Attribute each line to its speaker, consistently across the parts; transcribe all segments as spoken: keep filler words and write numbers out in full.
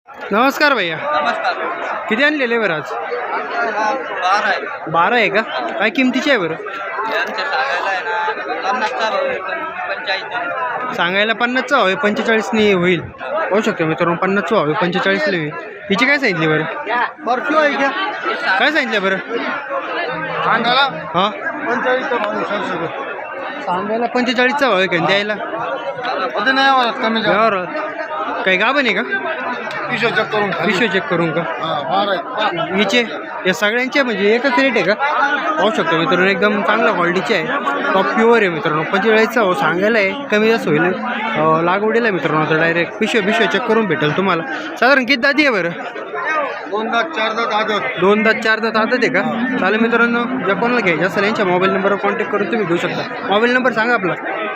Speaker 1: नमस्कार भैया,
Speaker 2: नमस्कार.
Speaker 1: किती आणलेले बरं आज?
Speaker 2: बारा आहे.
Speaker 1: बारा आहे का? काय किमतीचे आहे बरं?
Speaker 2: यांचे सांगायला आहे ना पन्नासचा भाव आहे, पण पंचेचाळीस आहे.
Speaker 1: सांगायला पन्नासचा हवे पंचेचाळीसनी होईल. पाहू शकतो मित्रांनो, पन्नासचा हवे पंचेचाळीसला होईल. हिची काय सांगितली बरं?
Speaker 2: बरं आहे का?
Speaker 1: काय सांगितलं बरं?
Speaker 2: सांगायला
Speaker 1: हां,
Speaker 2: पंचेचाळीसचा भाव आहे.
Speaker 1: सांगायला पंचेचाळीसचा भाव आहे का द्यायला?
Speaker 2: होते नाही आवडत कमी
Speaker 1: यावर काही गाभण आहे का?
Speaker 2: पिशो चेक करून
Speaker 1: पिशवी चेक करून का?
Speaker 2: बारा आहे.
Speaker 1: हिचे या सगळ्यांचे म्हणजे एकच रेट आहे का? पाहू शकतो मित्रांनो, एकदम चांगल्या क्वालिटीचे आहे, टॉप प्युअर आहे मित्रांनो. पंचेचाळीसचा हो सांगायला आहे, कमी जास्त होईल. अं, लागवडीला आहे मित्रांनो, तर डायरेक्ट पिशवी पिशवी चेक करून भेटेल तुम्हाला. साधारण किती दाती आहे बरं?
Speaker 2: दोन दात चार दात आदत.
Speaker 1: दोन दात चार दात आदत आहे का? चालेल मित्रांनो, ज्या कोणाला घ्यायचं असेल यांच्या मोबाईल नंबरवर कॉन्टॅक्ट करून तुम्ही घेऊ शकता. मोबाईल नंबर सांगा आपला.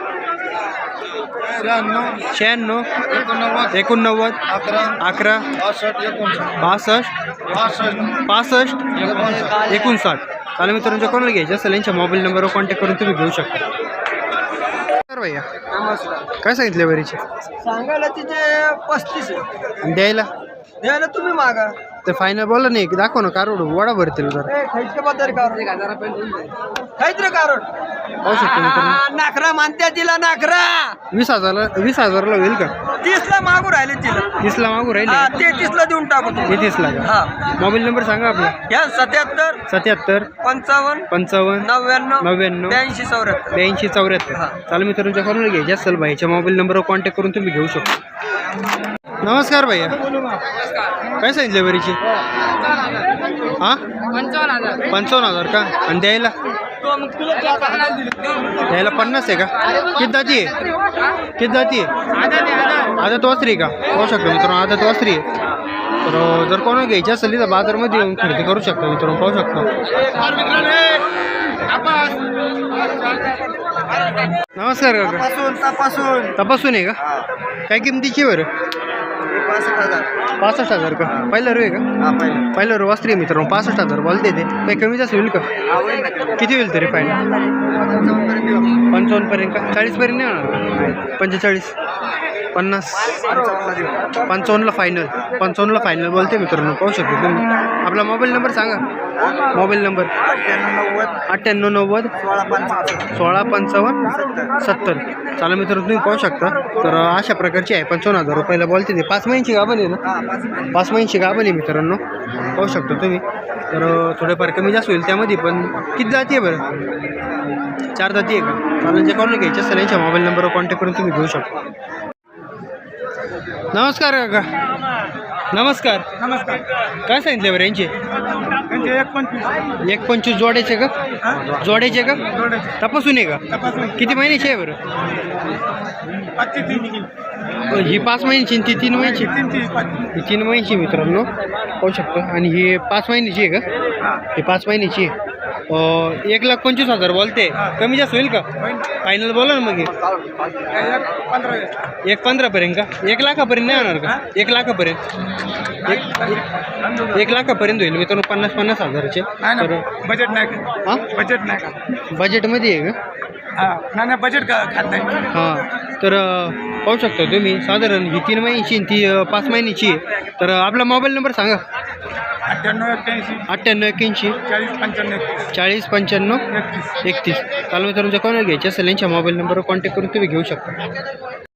Speaker 2: शहाण्णव
Speaker 1: शहाण्णव
Speaker 2: एकोणनव्वद
Speaker 1: एकोणनव्वद
Speaker 2: अकरा
Speaker 1: अकरा
Speaker 2: पासष्ट एकोणसाठ
Speaker 1: बासष्ट
Speaker 2: पासष्ट
Speaker 1: पासष्ट
Speaker 2: एकोणसाठ.
Speaker 1: एकोणसाठ. चालेल मित्रांनो, ज्या कोणाला घ्यायचं असेल यांच्या मोबाईल नंबरवर कॉन्टॅक्ट करून तुम्ही घेऊ शकता. तर भैया
Speaker 2: नमस्कार.
Speaker 1: काय सांगितले बरीचे?
Speaker 2: सांगायला तिचे पस्तीस आहे.
Speaker 1: आणि द्यायला
Speaker 2: द्यायला तुम्ही मागा.
Speaker 1: तर फायनल बोला नाही की दाखव ना, कारोड वडा भरतील जर.
Speaker 2: खायचं बद्दल कारोड एक हजारापर्यंत खायचं कारोड.
Speaker 1: पाहू शकतो मित्रांनो,
Speaker 2: नाखरा मानत्या तिला नाखरा
Speaker 1: वीस हजारला वीस हजारला होईल का?
Speaker 2: तीसला मागू राहिले तिला.
Speaker 1: तीसला मागू
Speaker 2: हा,
Speaker 1: राहिले,
Speaker 2: ते तीसला देऊन टाकू
Speaker 1: हे
Speaker 2: तुम्ही.
Speaker 1: तीसला का?
Speaker 2: हा,
Speaker 1: मोबाईल नंबर सांगा आपला.
Speaker 2: या सत्याहत्तर
Speaker 1: सत्याहत्तर
Speaker 2: पंचावन्न
Speaker 1: पंचावन्न
Speaker 2: नव्याण्णव
Speaker 1: नव्याण्णव
Speaker 2: ब्याऐंशी चौऱ्याहत्तर.
Speaker 1: ब्याऐंशी चौऱ्याहत्तर.
Speaker 2: हा.
Speaker 1: चालेल मित्रांनो, ज्या कोणाला घ्यायचे असेल भाईच्या मोबाईल नंबरवर कॉन्टॅक्ट करून तुम्ही घेऊ शकता. नमस्कार भैया, काय सांगितले बरीची? हां,
Speaker 2: पंचावन्न हजार.
Speaker 1: पंचावन्न हजार का? आणि द्यायला द्यायला पन्नास आहे का? किती जाती आहे? किती जाती आहे? आदत वासरी का? पाहू शकतो मित्रांनो, आदत वासरी आहे. तर जर कोणाला घ्यायची असेल तर बाजारमध्ये येऊन खरेदी करू शकतो मित्रांनो, पाहू शकतो. नमस्कार काका,
Speaker 2: तपासून तपासून
Speaker 1: तपासून आहे का? काय किमतीची बरं?
Speaker 2: पासष्ट हजार.
Speaker 1: पासष्ट हजार का? पहिला रू आहे का?
Speaker 2: हा, पहिलं.
Speaker 1: पहिला रू वासरी आहे मित्रांनो, पासष्ट हजार बोलते ते. काही कमी जास्त होईल का?
Speaker 2: हा, होईल ना कमी.
Speaker 1: किती होईल तरी फायनल?
Speaker 2: पंचावन्नपर्यंत देऊ.
Speaker 1: पंचावन्नपर्यंत का? चाळीसपर्यंत नाही होणार? पंचेचाळीस पन्नास
Speaker 2: पंचावन्नला देऊ.
Speaker 1: पंचावन्नला फायनल. पंचावन्नला फायनल बोलते मित्रांनो, पाहू शकतो तुम्ही. आपला मोबाईल नंबर सांगा. मोबाईल नंबर
Speaker 2: अठ्ठ्याण्णव नव्वद
Speaker 1: अठ्ठ्याण्णव नव्वद
Speaker 2: सोळा पंचावन्न
Speaker 1: सोळा पंचावन्न सत्तर. चालेल मित्रांनो, तुम्ही पाहू शकता. तर अशा प्रकारची आहे, पंचावन्न हजार रुपयाला बोलते ते. पाच महिन्याची गाभण आहे ना?
Speaker 2: हा, पाच मिनिट.
Speaker 1: पाच महिन्याची गाभण आहे मित्रांनो, पाहू शकता तुम्ही. तर थोडेफार कमी जास्त होईल त्यामध्ये, पण किती जाती आहे बरं? चार जाती आहे का? चालेल, जे कोणाला घ्यायचे असेल यांच्या मोबाईल नंबरवर कॉन्टॅक्ट करून तुम्ही घेऊ शकता. नमस्कार काका, नमस्कार.
Speaker 2: नमस्कार.
Speaker 1: काय सांगितले बरं यांचे?
Speaker 2: म्हणजे एक पंचवीस.
Speaker 1: एक पंचवीस जोडायचे का? जोडायचे का? तपासून आहे का?
Speaker 2: तपासून.
Speaker 1: किती महिन्याची आहे बरं?
Speaker 2: पाचशे तीन.
Speaker 1: ही पाच महिन्याची आणि ती तीन महिन्याची? ही तीन महिन्याची मित्रांनो, पाहू शकता. आणि ही पाच महिन्याची आहे का? ही पाच महिन्याची आहे. अं, एक लाख पंचवीस हजार बोलते. कमी जास्त होईल का? फायनल बोला ना मग. हे
Speaker 2: पंधरा.
Speaker 1: एक पंधरापर्यंत का? एक लाखापर्यंत नाही होणार का? एक लाखापर्यंत एक एक लाखापर्यंत होईल मित्रांनो, पन्नास पन्नास हजारचे. तर
Speaker 2: बजेट नाही का?
Speaker 1: हां,
Speaker 2: बजेट नाही का?
Speaker 1: बजेटमध्ये आहे का?
Speaker 2: हा, नाही नाही, बजेट का खात नाही.
Speaker 1: हां, तर अं, पाहू शकता तुम्ही. साधारण ही तीन महिन्याची आणि ती अं, पाच महिन्याची आहे. तर अं, आपला मोबाईल नंबर सांगा.
Speaker 2: अठ्ठ्याण्णव एक्क्याऐंशी
Speaker 1: अठ्ठ्याण्णव एक्क्याऐंशी
Speaker 2: चाळीस पंच्याण्णव एकतीस.
Speaker 1: चाळीस पंच्याण्णव
Speaker 2: एकतीस.
Speaker 1: एकतीस. चालू मित्रांनो, कोणाला घ्यायचे असेल यांच्या मोबाईल नंबरवर कॉन्टॅक्ट करून तुम्ही घेऊ शकता.